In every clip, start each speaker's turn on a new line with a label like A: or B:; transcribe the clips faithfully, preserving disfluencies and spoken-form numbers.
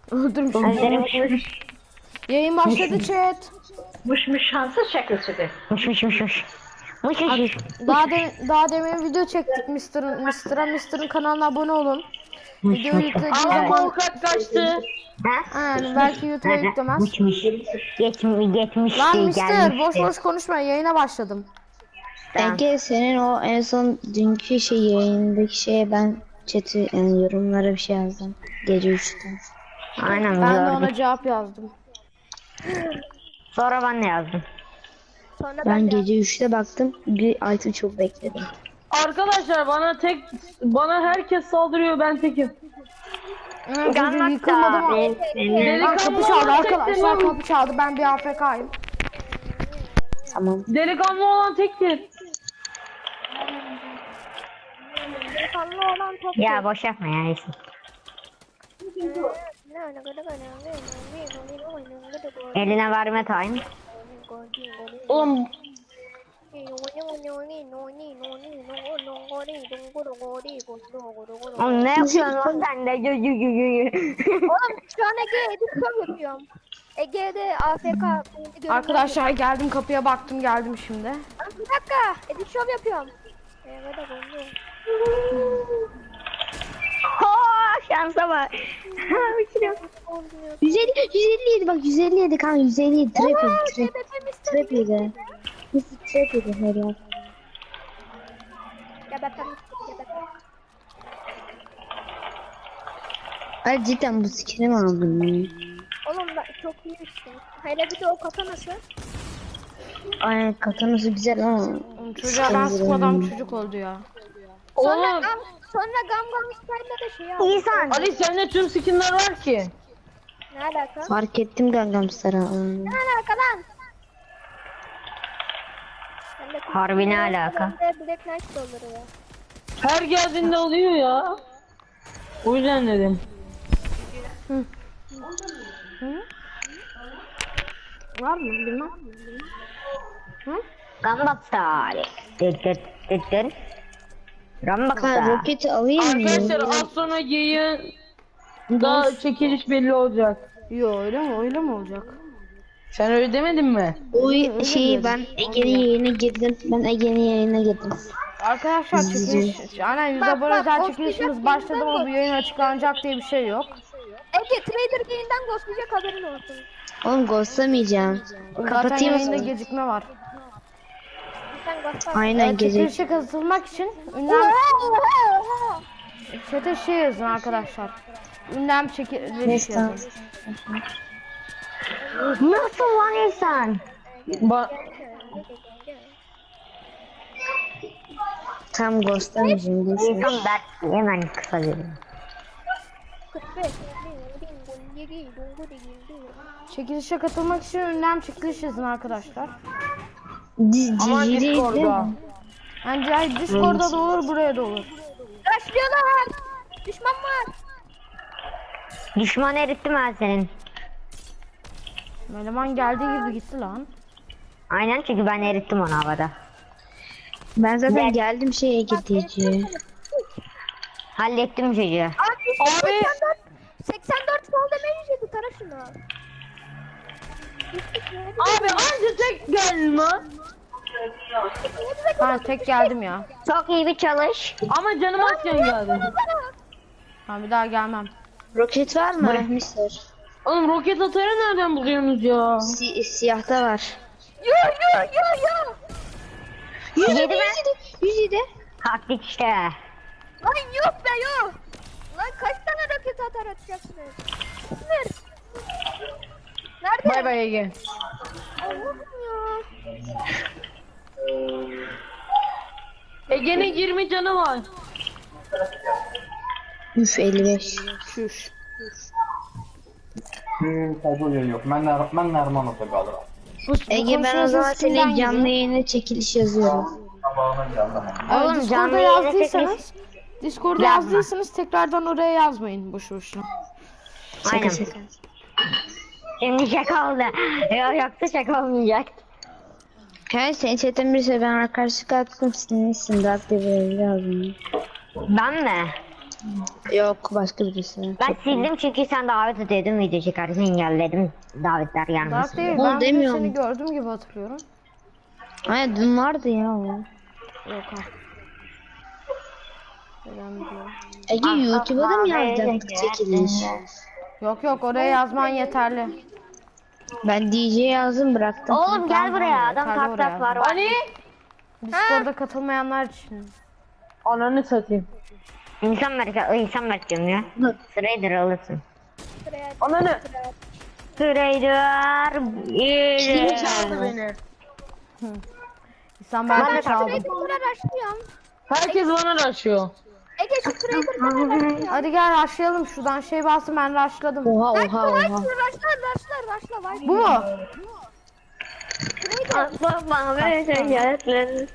A: Öldürmüş.
B: Yayın başladı chat.
C: Muş muş şansı şakasıdır.
A: Muş muş muş muş. Muş muş muş.
B: Daha de, daha demin video çektik Mister'ın Mister'a Mister'ın kanalına abone olun. Video yüklediği
C: Ama
B: zaman
C: Volkan kaçtı.
A: Ha?
B: yani belki YouTube'a yüklemez.
A: Muş muş. Geçmiş geçmişti
B: Lan Mister boş
A: gelmişti.
B: boş konuşma, yayına başladım.
D: Ege senin o en son dünkü şey yayındaki şeye ben chat'i yani yorumlara bir şey yazdım. Gece üçte.
A: Aynen
B: Ben de
A: gördüm.
B: ona cevap yazdım.
A: Sonra ben de yazdım.
E: Sonra ben,
D: Ben
E: de
D: gece üçte baktım. Bir altı çok bekledim.
C: Arkadaşlar bana tek bana herkes saldırıyor, ben tekim.
B: Hı, Çocuk yıkılmadı mı? Lan
C: Delikanlı
B: kapı çaldı
C: olan tek
B: arkadaşlar,
C: demem.
B: kapı çaldı, ben bir A F K'yim.
D: Tamam.
C: Delikanlı olan tektir.
E: delikanlı olan top.
A: Ya boş yapma ya iyisin. Eline verme time.
C: Oğlum
A: Oğlum ne yapıyorsun lan sen de? Gü gü gü gü gü.
E: Oğlum şu an Ege edit şov yapıyorum. Ege'de A F K.
B: Arkadaşlar geldim, kapıya baktım, geldim şimdi.
E: Bir dakika edit şov yapıyorum. Evet
A: Haa şansa bak.
D: yüz elli, yüz elli yedi bak yüz elli yedi kanka yüz elli yedi trap yedi trap, trap yedi. Nasıl trap yedi her yer. Ay cidden bu skill'i mi aldın ya?
E: Oğlum ben çok iyi işte. Hele bir de o kafa nasıl?
D: Ay katanası güzel ama.
B: Oğlum çocuğa ben sıkmadan çocuk oldu ya.
E: Sonra
C: oğlum
E: gam, sonra gam gam style de şey aldım.
A: İnsan.
C: Ali sende tüm skinler var ki.
E: Ne alaka?
D: Fark ettim Gangnam Star'a.
E: Ne alaka lan? Bende
A: Harbi ne alaka?
E: bende Black Knight doları ya.
C: Her geldiğinde oluyor ya. O yüzden dedim.
B: Var mı bilmem.
A: Gambaptal. Dıt dıt dıt dıt.
D: Ha
A: Gambaptal.
D: roketi alayım mı?
C: Arkadaşlar az sonra yayın da çekiliş belli olacak.
B: Yo öyle mi, öyle mi olacak?
C: Sen öyle demedin mi?
D: O
B: öyle
D: şeyi
B: diyorum.
D: ben Ege'nin yayına girdim. Ben Ege'nin yayına girdim.
B: Arkadaşlar çekiliş, aynen yüz
E: Bak,
B: abone
E: bak,
B: özel
E: o
B: çekilişimiz
E: sıcak
B: başladı
E: yeniden
B: ama bu
E: bak.
B: yayın açıklanacak diye bir şey yok.
E: Ege Trader Game'den ghostlayacak haberin olsun.
D: Oğlum ghostlamayacağım.
B: Zaten
D: Kapatayım o
B: yayında
D: zaman.
B: gecikme var.
E: Sen ghostlar.
D: Aynen
B: Ee,
D: gece.
B: çekilişe katılmak için ünlem
E: Oha, oha, oha.
B: chat'e şey yazın arkadaşlar. Ünlem çekiliş
D: Neyse.
B: yazın.
A: Nasıl lan insan?
C: Ba
D: Tam ghostlamayacağım. boş ver.
A: İnsan dert hemen kısa veriyor.
E: kırk beş.
B: Çekilişe katılmak için ünlem çekiliş yazın arkadaşlar.
D: Di-
C: Aman
D: Cicili değil
C: Discord'da.
D: mi?
B: Yani yani Discord'da da olur, buraya da olur.
E: Başlıyorlar. Düşman var.
A: Düşman erittim ben senin.
B: Eleman geldiği gibi gitti lan.
A: Aynen çünkü ben erittim onu havada.
D: Ben zaten
A: Gel.
D: geldim şeye gideceğim.
A: Hallettim çocuğu.
E: Abi,
C: Abi.
E: seksen dört, seksen dört fall damage yedi, tara şunu.
C: Abi anca tek geldin lan.
B: Ben tek geldim ya.
A: Çok iyi bir çalış.
C: Ama canım azken geldi.
B: Ben bir daha gelmem.
D: Roket var mı? mister
C: Oğlum roket atarı nereden buluyorsunuz ya?
D: Si siyahta var.
E: Yo yo yo yo.
D: yüz
A: Yedi mi?
D: yüz yedi.
A: Haklık işte.
E: Lan yok be yok. Lan kaç tane roket atar atacaksınız? Sınır. Nerede?
C: Bay bay Ege.
E: Allah'ım ya.
C: Ege'nin yirmi canı var.
D: Üf elli beş.
B: Şuş.
F: Hmm, kabul yok. Ben de ben de Erman olsa kalır.
B: Bu, bu
D: Ege ben o
B: konuşma
D: zaman
B: sesi kimden
D: senin canlı
B: geliyor?
D: yayına çekiliş yazıyorum.
F: Sabahına geldim.
B: Evet,
A: Oğlum,
B: Discord'da
A: canlı yayına
B: yazdıysanız Discord'da
A: Yazma.
B: yazdıysanız tekrardan oraya yazmayın boşu boşuna.
D: Şaka
A: Aynen.
D: şaka.
A: Şimdi şaka oldu. Yok yoksa şaka olmayacak.
D: Hayır senin chatten birisi ben arkadaşlık attım senin isim de aktif yazdım.
A: Ben mi?
D: Yok başka birisi.
A: Ben sildim çünkü sen davet ediyordun video çekersin engelledim davetler
B: Dark
A: gelmesin.
B: değil.
D: O
B: Ben bugün
D: demiyorum.
B: seni gördüm gibi hatırlıyorum.
D: Ay dün vardı ya o.
B: Yok ha. Neden biliyorum.
D: Ege YouTube'a da mı yazacaktık çekiliş?
B: Yok yok oraya yazman yeterli.
D: Ben D J yazdım bıraktım.
A: Oğlum gel buraya adam
B: yeterli
A: tak
B: oraya.
A: tak var.
C: Ali.
B: Discord'da katılmayanlar için.
C: Ananı satayım.
A: İnsan ver, insan ver diyorum ya. Trader alırsın.
E: Sıraya
C: Ananı.
A: Trader.
C: Kim
A: iyi.
C: çaldı beni?
B: İnsan ben de
A: Ben de
B: çaldım.
E: Trader'lara başlıyorum.
C: Herkes bana raşıyor.
E: Ege şu Trader'lara başlıyorum.
B: Hadi gel rushlayalım şuradan şey bastım ben rushladım.
D: Oha oha oha.
E: Raşlar raşlar raşlar var.
B: Bu mu?
A: Bak bana böyle şeyler.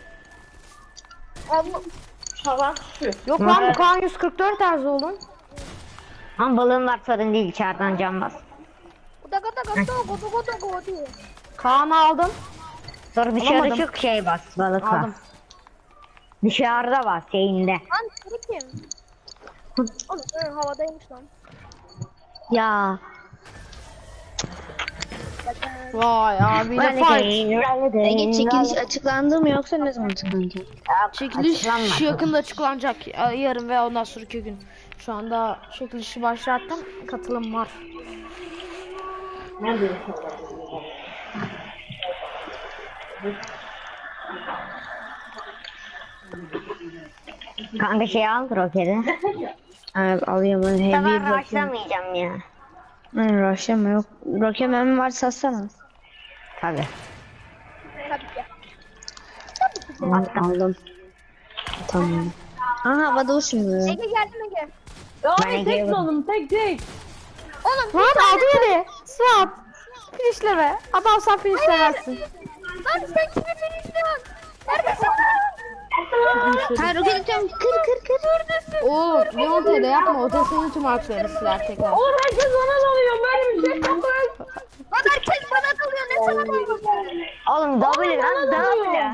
E: Allah.
B: Yok lan bu Kaan yüz kırk dört terzi oğlum.
A: Ama balığım var sorun değil içeriden can bas.
E: Uda gada gada godo godo godo.
B: Kaan'ı aldım.
A: Sonra dışarı
B: Alamadım.
A: çık şey bas balık bas.
B: Aldım.
A: Dışarıda bas şeyinde.
E: Lan sarı kim? Oğlum hı, havadaymış lan.
D: Ya
B: Vay abiyle fight.
D: Ege çekiliş açıklandı mı yoksa ne zaman açıklanacak?
B: Çekiliş
A: Açıklanmadı.
B: yakında açıklanacak ya- yarın ve ondan sonraki gün. Şu anda çekilişi başlattım. Katılım var.
A: Kanka şey al roketi.
D: Evet alıyorum ben heavy
A: Ben
D: bakıyorum.
A: başlamayacağım ya.
D: Ben rush'ım yok. Rocket mermi var satsana.
A: Tabi.
E: Tabii ki.
D: Aldım. Tamam. Aha havada uçmuyor.
E: Ege geldi mi Ege?
C: Ya
A: Ben
C: abi tek
A: geliyorum.
C: oğlum tek tek.
E: Oğlum
B: Lan aldı beni. Suat. Finişleme. Adam sen finişlemezsin.
E: lan sen kimi bilmiyorsun? Neredesin lan?
D: Hayır roket atıyorum. Kır kır kır.
B: Oğlum Leon T'de yapma. O da senin tüm harflerini siler tekrar.
C: Oğlum herkes bana dalıyor. Böyle bir şey yok.
E: Lan herkes bana dalıyor ne sana dalıyor?
A: Oğlum W lan W.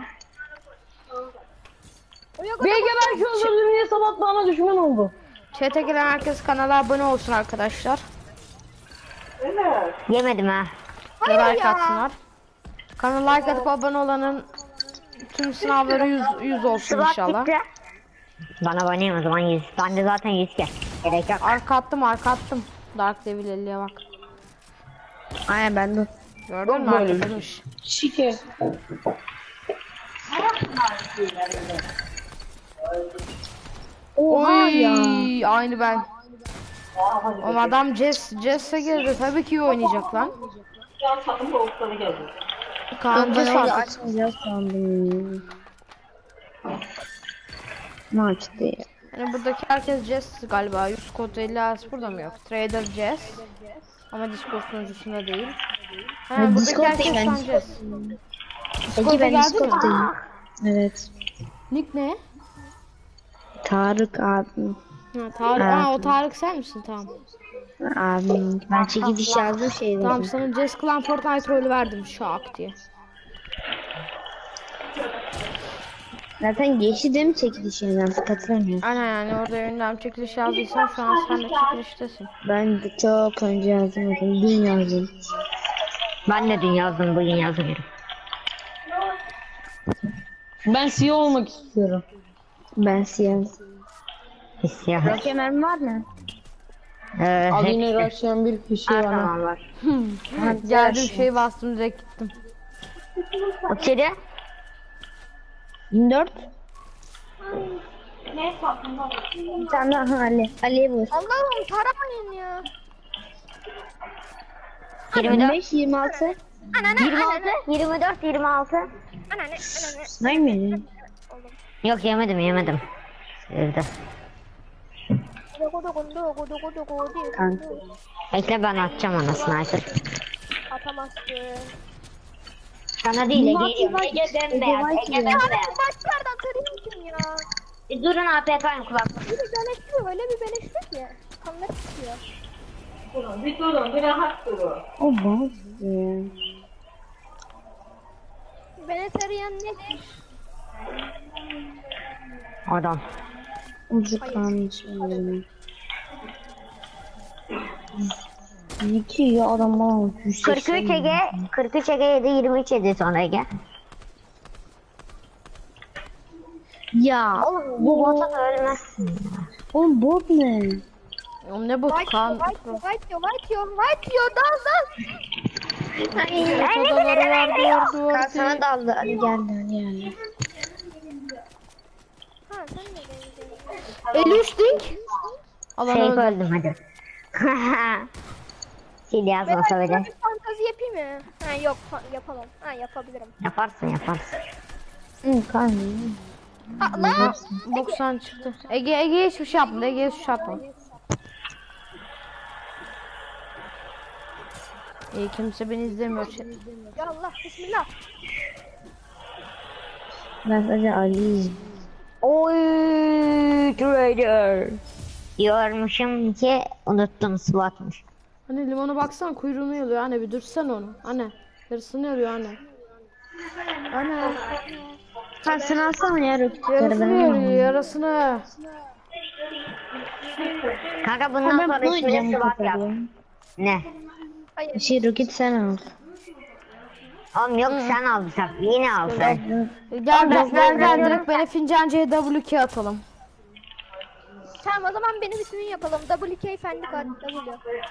C: B G belki öldürdüm diye sabah bana düşman oldu.
B: Chat'e giren herkes kanala abone olsun arkadaşlar.
A: Yemedim ha.
B: Ve
E: Hayır
B: like
E: ya.
B: atsınlar. Kanala like atıp abone olanın tüm sınavları yüz, yüz olsun
A: Sıvak
B: inşallah.
A: gitti. Bana banayım o zaman yüz. Ben de zaten yüz gel. Gerek yok.
B: Arka attım arka attım. Dark Devil elliye bak.
D: Aynen ben de.
B: Gördün mü
C: Böyle bir
B: arkadaş?
C: Şike.
B: Oy aynı ben. O adam Jess, Jess'e girdi tabii ki iyi oynayacak lan. Kaan
D: Ben
B: Jess
D: orada
B: artık.
D: açmayacağız sandım. Maç değil.
B: Yani buradaki herkes Jess galiba. yüz kod elli as burada mı yok? Trader Jess. Ama Discord sunucusunda değil. Ha,
D: Ha,
B: buradaki
D: Discord
B: herkes
D: değil, ben
B: tam
D: Discord-
B: Jess.
D: Ege ben
B: geldi mi?
D: Discord'dayım. Evet.
B: Nick ne?
D: Tarık abim.
B: Ha, Tarık. Ha, o Tarık sen misin? Tamam.
D: Abim. Ben çekiliş yazdım şey
B: Tamam
D: dedim.
B: sana Jess Clan Fortnite rolü verdim şak diye.
D: Zaten geçti değil mi çekiliş yani artık hatırlamıyorum.
B: Aynen yani orada önden çekiliş yazdıysan şu an sen de çekiliştesin.
D: Ben de çok önce yazdım zaten. Dün yazdım.
A: Ben de dün yazdım bugün yazmıyorum.
C: Ben C E O olmak istiyorum.
D: Ben siyah.
A: Hissiyat.
D: Rocket mermi var mı?
A: Ee,
C: Al
A: hepsi.
C: yine raşlayan bir kişi
A: Her
C: bana.
A: zaman var.
B: Geldim şey bastım direkt gittim.
A: O içeri.
D: yirmi dört. Bir tane daha Ali. Ali'ye vur.
E: Allah'ım taramayın ya.
A: yirmi
D: yirmi
A: dört.
D: beş yirmi altı.
E: Ananı
A: yirmi
E: ananı
A: altı. yirmi dört. yirmi altı.
E: ananı ananı.
D: Sayın mı?
A: Yok yemedim yemedim. Evde.
E: Godo godo godo godo godo.
D: Kanka.
A: Bekle ben atacağım ona sniper.
E: Atamazsın.
A: Sana değil
D: Ege
A: Ege.
D: var,
A: Ege bembeyaz.
D: Ege var
A: Ege
D: ki.
A: bembeyaz.
E: Başlardan tarayayım kim ya?
A: Bir durun A P K'yım kulak.
E: Bir de beleşiyor öyle bir beleşiyor ki. Kanlar çıkıyor.
D: O bazı.
E: Beni tarayan ne?
A: Adam.
D: Ucu kalmış. benim. iki ya adam bana yüz
A: kırk üç
D: seksen.
A: Ege, kırk üç Ege yedi, yirmi üç yedi sonra Ege.
D: Ya
A: Oğlum bu bota da ölmezsin.
D: oğlum bot ne?
B: Oğlum ne botu
E: White
B: kan?
E: yo, white yo, white yo, white yo, white yo, dal dal.
B: Odaları var duvar duvar.
D: Kaan sana daldı. Hadi geldi hadi geldi.
E: Ha sen de geleceksin.
B: elli üç dink. Alan
A: Safe
B: öldü.
A: öldüm hadi. Sil yazmasa
E: Ben
A: bile.
E: bir fantazi yapayım mı? Ha yok fa- yapamam. Ha yapabilirim.
A: Yaparsın yaparsın.
D: Hı Kaan.
E: Ha lan.
B: doksan çıktı. Ege Ege hiçbir şey yapmadı. Ege hiçbir şey yapmadı. İyi kimse beni izlemiyor.
E: Ya Allah bismillah.
D: Ben sadece Ali'yim.
A: Oy trader. Diyormuşum ki unuttum SWAT'mış.
B: Hani limona baksan kuyruğunu yalıyor. Anne bir dursan onu. Anne. Yarısını yalıyor anne. Anne.
D: Kaan sen alsana ya roketleri
B: Yarısını
D: ben
B: yalıyor
D: alayım.
B: yarısını.
A: Kanka bundan
D: Ben
A: sonra
D: bunu
A: ismini
D: oynayacağım
A: SWAT yap.
D: roketleri.
A: Ne?
D: Şey roket sen al.
A: Oğlum yok sen alsak yine alsak.
B: Gel
A: ben-
B: gel gel gel
A: ben-
B: direkt beni fincan C W K atalım.
E: Tamam o zaman benim ismini yapalım. W K Fendi Kart W.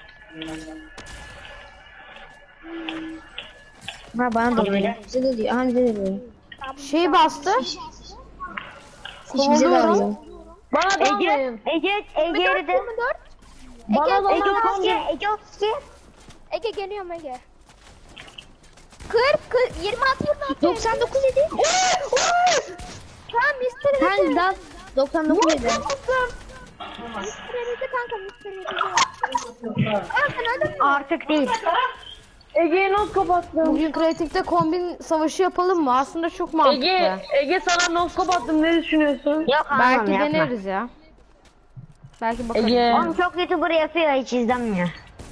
D: Ha bana da diyor. Bize de diyor. Aha bize de diyor.
B: Şey bastı.
D: Hiç bize de alıyor.
C: Bana
A: Ege,
C: dalmayın.
A: Ege, Ege eridi.
E: yirmi dört.
C: Bana
A: Ege
C: dalmayın.
A: otuz iki, Ege otuz iki.
E: Ege geliyorum Ege. kırk, kırk, yirmi altı, yirmi altı.
D: doksan dokuz yedi.
E: Tamam mister
D: Sen
E: Ege.
D: dal. doksan dokuz yedi.
E: mister Ege kanka mister Ege. Aa sen öldün mü?
A: Artık değil.
C: Ege'yi not kapattım.
B: Bugün kreatifte kombin savaşı yapalım mı? Aslında çok mantıklı.
C: Ege, Ege sana not kapattım. Ne düşünüyorsun?
A: Yok almam
B: Belki
A: yapma.
B: deneriz ya. Belki bakarız.
C: Ege,
A: Oğlum çok YouTuber yapıyor hiç izlenmiyor.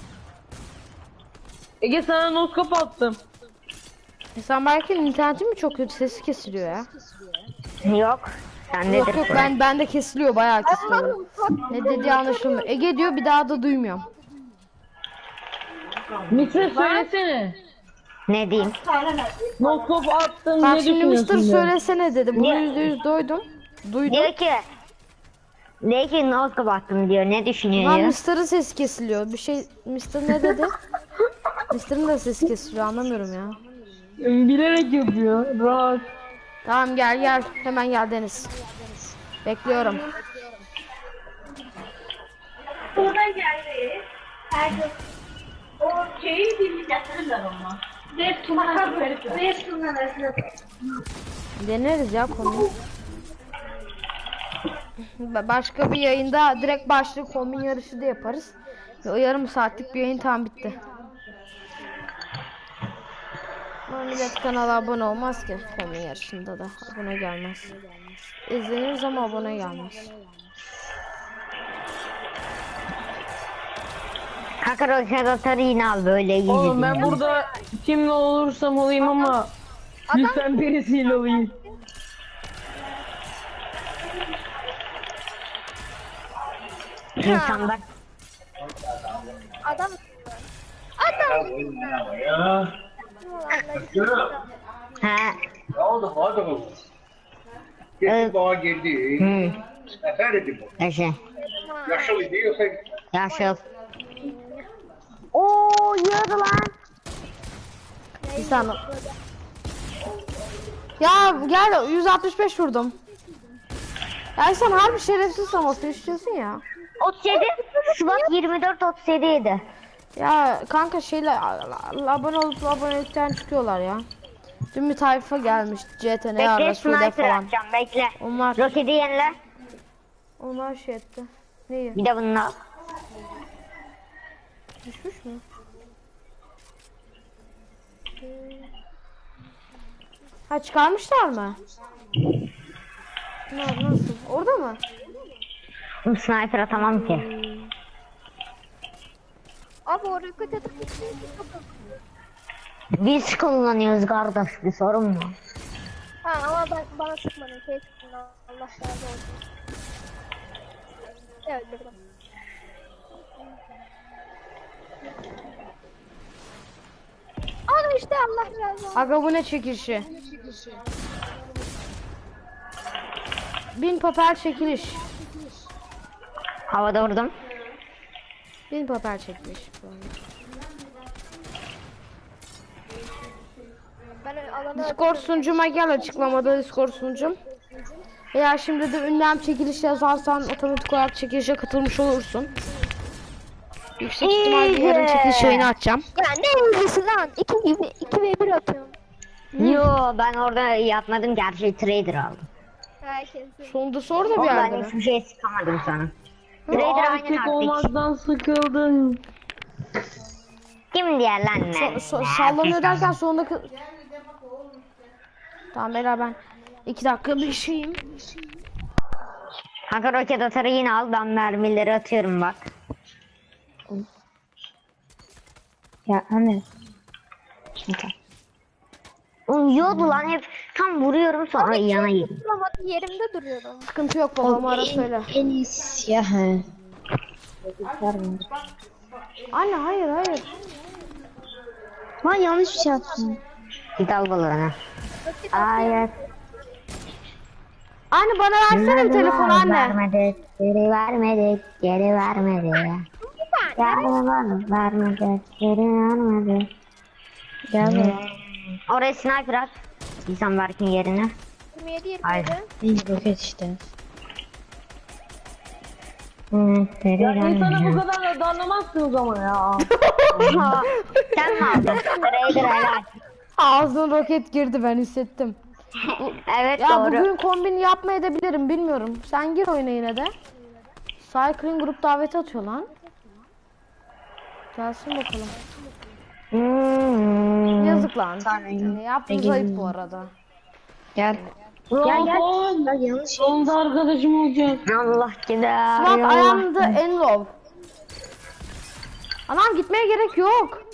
C: Ege sana not kapattım.
B: E sen belki internetin mi çok kötü sesi kesiliyor ya?
A: Yok. Sendedir.
B: Yok yok ben bende kesiliyor bayağı kesiliyor. Ne dediği anlaşılmıyor. Ege diyor bir daha da duymuyorum.
C: Mister söylesene.
A: Ne diyeyim?
C: Not kapattım.
B: Bak
C: Ne
B: şimdi
C: düşünüyorsun?
B: Mister
C: diyor.
B: söylesene dedi. Bunu
A: Ya-
B: yüzde yüz duydum. Duydum.
A: Diyor ki diyor ki not kapattım diyor. Ne düşünüyor
B: Lan
A: ya?
B: Mister'ın sesi kesiliyor. Bir şey Mister ne dedi? Mister'ın da sesi kesiliyor anlamıyorum ya.
C: Bilerek yapıyor. Rahat.
B: Tamam gel gel. Hemen gel Deniz. Bekliyorum. Deneriz ya konuyu. Ba- Başka bir yayında direkt başlık kombin yarışı da yaparız. Ve o yarım saatlik bir yayın tam bitti. Ama millet kanala abone olmaz ki kombin yarışında da abone gelmez. İzleniriz ama abone gelmez.
A: Kanka roket atarı yine al böyle iyi.
C: Oğlum ben burada kimle olursam olayım ama lütfen birisiyle olayım.
A: İnsanlar.
E: Adam. Adam.
A: He.
G: Ne oldu Fadıl?
A: Evet.
G: Geçti bana geldi.
A: Hı.
G: Nefer idi bu.
A: Eşe.
G: Yaşlı idi yoksa
A: Yaşıl. Oo yiyordu lan.
B: Bir saniye. Ya gel yüz altmış beş vurdum. Ya sen harbi şerefsiz olmasını istiyorsun ya.
A: otuz yedi. Şubat yirmi dört otuz yedi ydi.
B: Ya kanka şeyle abone olup abonelikten çıkıyorlar ya. Dün bir tayfa gelmiş C T N
A: Bekle
B: arada Sude
A: sniper
B: falan.
A: atacağım bekle.
B: Onlar
A: Roketi yenile.
B: onlar şey etti. Neyi?
A: Bir de bunu al.
B: Düşmüş mü? Ha çıkarmışlar mı? Ne, nasıl? Orada mı?
A: Bu sniper atamam ki.
E: Abi o roket atıp
A: Biz kullanıyoruz kardeş bir sorun mu?
E: Ha ama ben bana sıkmadın. Şey sıktın. Allah razı olsun. Evet öldürdüm. Allah razı olsun.
B: Aga bu ne çekilişi? Bin papel çekiliş.
A: Havada vurdum.
B: Bin papel çekiliş.
E: Ben alana
B: Discord sunucuma gel, açıklamada Discord sunucum. Eğer şimdi de ünlem çekiliş yazarsan otomatik olarak çekilişe katılmış olursun. Yüksek ihtimalle yarın çekiliş yayını açacağım.
E: Ya ne ilgisi lan? iki gibi iki ve bir atıyorum.
A: Yo ben orada yapmadım, gerçi trader aldım.
E: Herkesin.
B: Sonunda sor da bir
A: Oğlum ben
B: yerde mi?
A: hiçbir şey sıkamadım sana. Trader aynen
C: Erkek
A: artık.
C: olmaktan sıkıldım.
A: Kim diğer lan ne?
B: So- so-
A: Ne
B: sallanıyor
A: yapıyorsun?
B: derken sonunda... kı- Tamam beyler, ben iki dakika bir şeyim.
A: Kanka roket atarı yine al, ben mermileri atıyorum bak.
D: Ya anne.
A: Uyuyordu lan hep, tam vuruyorum sonra yana yedim.
E: Duramadım, yerimde duruyorum.
B: Sıkıntı yok, babama ara söyle.
D: En iyisi ya he.
B: Anne hayır hayır.
D: Lan yanlış bir şey yaptım.
A: Git al balığını. Hayır.
B: Anne bana versene bir telefon anne.
A: Vermedik, geri vermedik, geri vermedik. Geri vermedik, vermedik, geri vermedik.
D: Gel buraya.
A: Oraya sniper at. İnsan Berk'in yerine.
E: yirmi yedi
A: Hayır.
E: yirmi yedi.
D: İyi roket işte.
A: Hı, geri
C: Ya insana bu
A: vermedik.
C: kadar da darlamazsınız ama ya.
A: Sen mi aldın? Trader helal.
B: Ağzına roket girdi, ben hissettim.
A: Evet
B: Ya
A: doğru.
B: bugün kombin yapmayabilirim, bilmiyorum. Sen gir oyuna yine de. Cycling grup daveti atıyor lan. Gelsin bakalım.
A: Hmm.
B: Yazık lan. Yani yaptığınız
D: Ege-
B: ayıp bu arada.
D: Gel.
C: Gel
D: gel.
C: gel.
D: Bak yanlış şey.
C: Sonunda arkadaşım olacak.
A: Allah gider.
B: Swap
A: Allah.
B: ayağımda en low. Anam gitmeye gerek yok.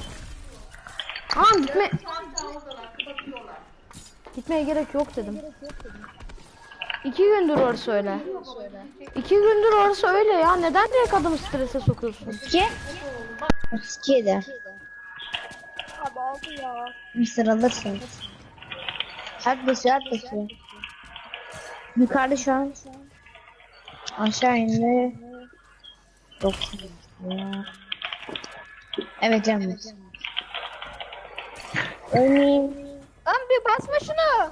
B: Anam gitme. Gitmeye gerek yok dedim. İki gündür orası öyle. İki gündür orası öyle ya. Neden direkt adamı strese sokuyorsun?
D: İki. otuz iki eder.
E: Abi aldı ya.
D: Bir sıralırsın. Hadi basıyor, hadi basıyor. Yukarıda şu an. Aşağı indi. doksan. Evet canım. Örneğin.
E: Lan bir basma şunu.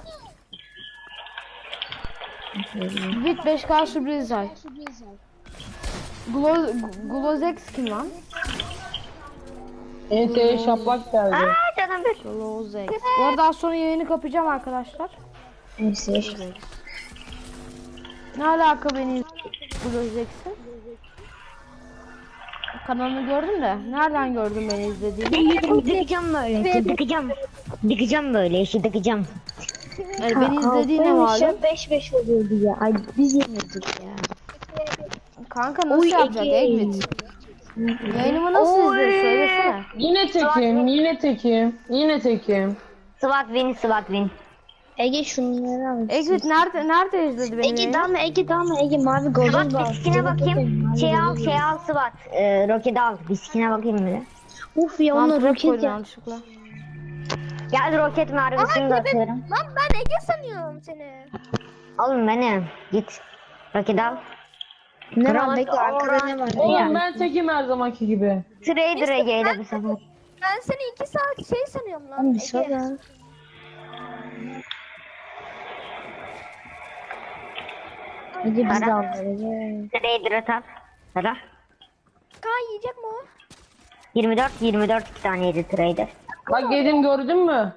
B: Bit beş K sürpriz ay. Glo Glozex kim lan?
C: Enseye şaplak geldi.
A: Aa canım bir.
B: Glozex. Bu arada az sonra yayını kapayacağım arkadaşlar.
D: Neyse.
B: Ne alaka beni Glozex'in? Kanalını gördüm de nereden gördün beni izlediğini?
A: Dıkacağım böyle. Dıkacağım. Dıkacağım böyle işi dıkacağım.
B: Yani beni izlediğine malum.
D: beş beş oluyordu ya. Ay biz yemedik ya.
B: Kanka nasıl
D: Oy,
B: yapacak
D: Ege.
B: Egmit? Yayınımı nasıl izliyorsun söylesene.
C: Yine tekim, yine tekim, yine tekim.
A: SWAT win, SWAT win.
D: Ege şunları al.
B: Egmit nerede nerede izledi benim
D: Ege
B: yayını?
D: dalma, Ege dalma, Ege mavi golden
A: SWAT
D: bal.
A: biskine bakayım. Şey al, şey al SWAT. Ee, roket al. Biskine bakayım bir de.
D: Uf ya
B: Lan
D: onu
B: trap
D: roket
B: koydum
D: ya.
B: yanlışlıkla.
A: Gel roket mermisini de atıyorum.
E: Lan ben Ege sanıyorum seni.
A: Oğlum benim. Git. Roket al.
D: Ne
A: Kral-
D: var bekle, arkada ne var?
C: Oğlum ben tekim her zamanki gibi.
A: Trader Ege'yle bu sefer.
E: Ben seni iki saat şey sanıyorum lan.
D: Oğlum bir
E: Ege.
D: sor lan. Ege biz de
A: Ara.
D: aldılar Ege.
A: Trader atar. Ara.
E: Kaan yiyecek mi o?
A: yirmi dört yirmi dört iki tane yedi trader.
C: Bak yedim gördün mü?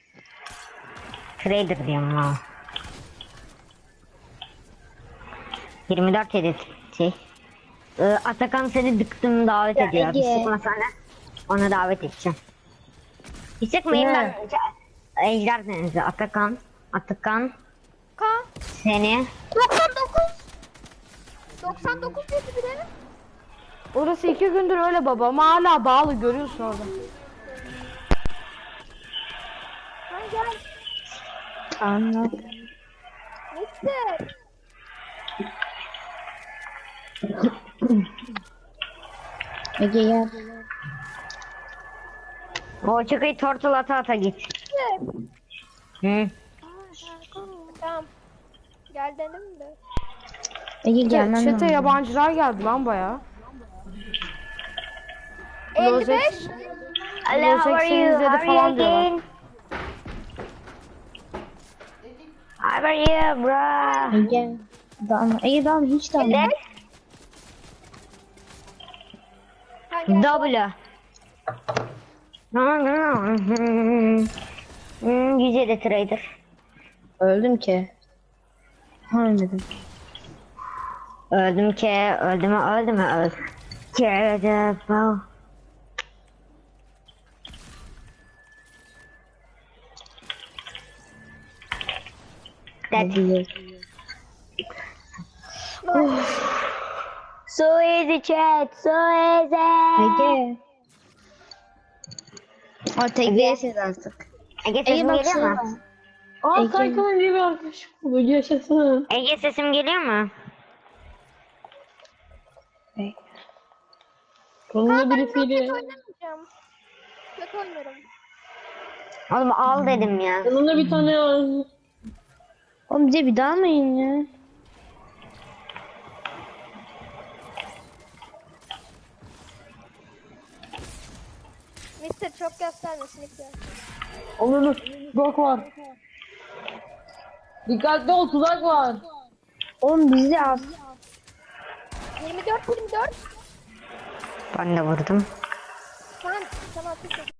A: Trader diyorum ha. yirmi dört yedi şey. Ee, Atakan seni dıktım davet
D: Ya
A: ediyor. Bir
D: Ege.
A: sıkma sana. Ona davet edeceğim. Bir sıkmayayım
C: Ne?
A: ben. Ejder denizi. Atakan. Atakan.
E: Kaan.
A: Seni.
E: doksan dokuz. doksan dokuz dedi biri.
B: Orası iki gündür öyle baba ama hala bağlı, görüyorsun orada.
E: Kaan gel.
D: Anlat.
E: Gitti.
D: Ege gel.
A: O çıkıyı tortul ata ata git. Hı.
E: Tamam. Gel dedim de.
D: Ege gelmem
B: Çete
D: lazım.
B: yabancılar geldi lan baya.
E: elli beş.
A: Hello, how are you?
B: seksenizde de
A: How are
B: falan
A: you
B: diyorlar.
A: again? How are you bro?
D: Ege. Dalma. Ege dalma hiç dalma.
A: Ne?
E: Ha, gel.
A: W. Hmm, Yüce de trader.
D: Öldüm ki. Ha ölmedim.
A: Öldüm ki, öldüm mü, öldüm mü, öldüm. Trader bro. That
D: Hadi.
A: so easy chat, so easy.
D: Ege. O tek değilsiniz artık.
A: Ege
D: Ege
A: sesim
D: bak
A: geliyor
D: şuna.
A: mu?
C: Aa
D: Ege.
C: Kaykan'ın diye bir arkadaşım oldu. Yaşasın.
A: Ege sesim geliyor mu?
C: Sonunda
E: Ben
C: birisiyle.
E: roket oynamayacağım. Kötü oynarım.
A: Oğlum al dedim ya.
C: Yanında bir tane var.
D: Oğlum bize bir dalmayın ya.
E: Mister çok göstermesin lütfen.
C: Onun tuzak var. Dikkatli ol, tuzak var.
D: Oğlum bizi al.
E: yirmi dört yirmi dört.
A: Ben de vurdum.
E: Tamam sana atışım.